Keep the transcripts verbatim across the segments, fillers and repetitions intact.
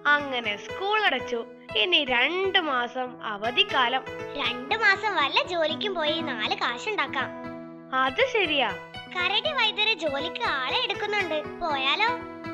അങ്ങനെ സ്കൂൾ അടച്ചു. ഇനി രണ്ടു മാസം അവധിക്കാലം. രണ്ടു മാസം വല്ല ജോലിക്കും പോയി നാല് കാശുണ്ടാക്കാം. അത് ശരിയാ. കരടി വൈദ്യര് ജോലിക്ക് ആളെ എടുക്കുന്നുണ്ട്, പോയാലോ?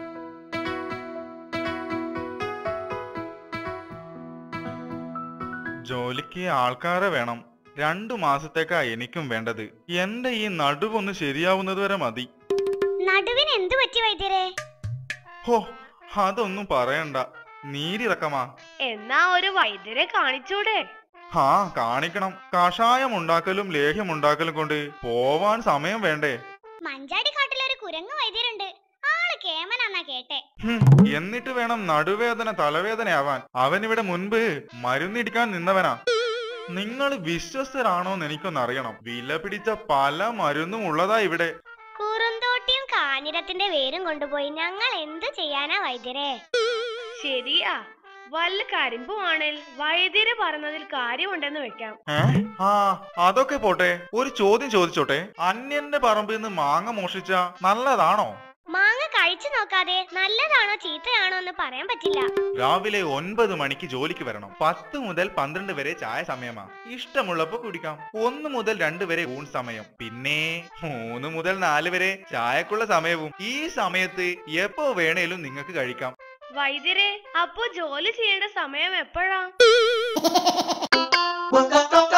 ജോലിക്ക് ആൾക്കാരെ വേണം. രണ്ടു മാസത്തേക്കാ എനിക്കും വേണ്ടത്. എന്റെ ഈ നടുവൊന്ന് ശരിയാവുന്നത് വരെ മതി. നടുവിന് എന്തു പറ്റി വൈദ്യരെ? ഹോ, അതൊന്നും പറയണ്ട, നീരിറക്കമാ. എന്നാ ഒരു വൈദ്യരെ കാണിച്ചൂടെ? ഹാ, കാണിക്കണം. കഷായം ഉണ്ടാക്കലും ലേഹ്യം ഉണ്ടാക്കലും കൊണ്ട് പോവാൻ സമയം വേണ്ടേ? മഞ്ചാടി കാട്ടിലൊരു കുരങ്ങ് വൈദ്യരുണ്ട്, ആള് കേമനാന്നാ കേട്ടെ. എന്നിട്ട് വേണം നടുവേദന തലവേദനയാവാൻ. അവനിവിടെ മുൻപ് മരുന്നിടിക്കാൻ നിന്നവനാ. നിങ്ങൾ വിശ്വസ്തരാണോന്ന് എനിക്കൊന്നറിയണം. വില പിടിച്ച പല മരുന്നും ഉള്ളതാ ഇവിടെ. കുറുന്തോട്ടിയും കാഞ്ഞിരത്തിന്റെ വേരും കൊണ്ടുപോയി ഞങ്ങൾ എന്തു ചെയ്യാനാ വൈദ്യരെ? ശരിയാ, വല്ല കരിമ്പുവാണേൽ വൈദ്യര് പറഞ്ഞതിൽ കാര്യമുണ്ടെന്ന് വെക്കാം. ആ, അതൊക്കെ പോട്ടെ, ഒരു ചോദ്യം ചോദിച്ചോട്ടെ. അന്യന്റെ പറമ്പിൽ നിന്ന് മാങ്ങ മോഷിച്ച നല്ലതാണോ? മാങ്ങ കഴിച്ചു നോക്കാതെ നല്ലതാണോ ചീത്തയാണോ എന്ന് പറയാൻ പറ്റില്ല. രാവിലെ ഒൻപത് മണിക്ക് ജോലിക്ക് വരണം. പത്ത് മുതൽ പന്ത്രണ്ട് വരെ ചായ സമയമാ. ഇഷ്ടമുള്ളപ്പോ കുടിക്കാം. ഒന്ന് മുതൽ രണ്ട് വരെ ഊൺ സമയം. പിന്നെ മൂന്ന് മുതൽ നാല് വരെ ചായക്കുള്ള സമയവും. ഈ സമയത്ത് എപ്പോ വേണേലും നിങ്ങൾക്ക് കഴിക്കാം. വൈദ്യരെ, അപ്പോ ജോലി ചെയ്യേണ്ട സമയം എപ്പോഴാ?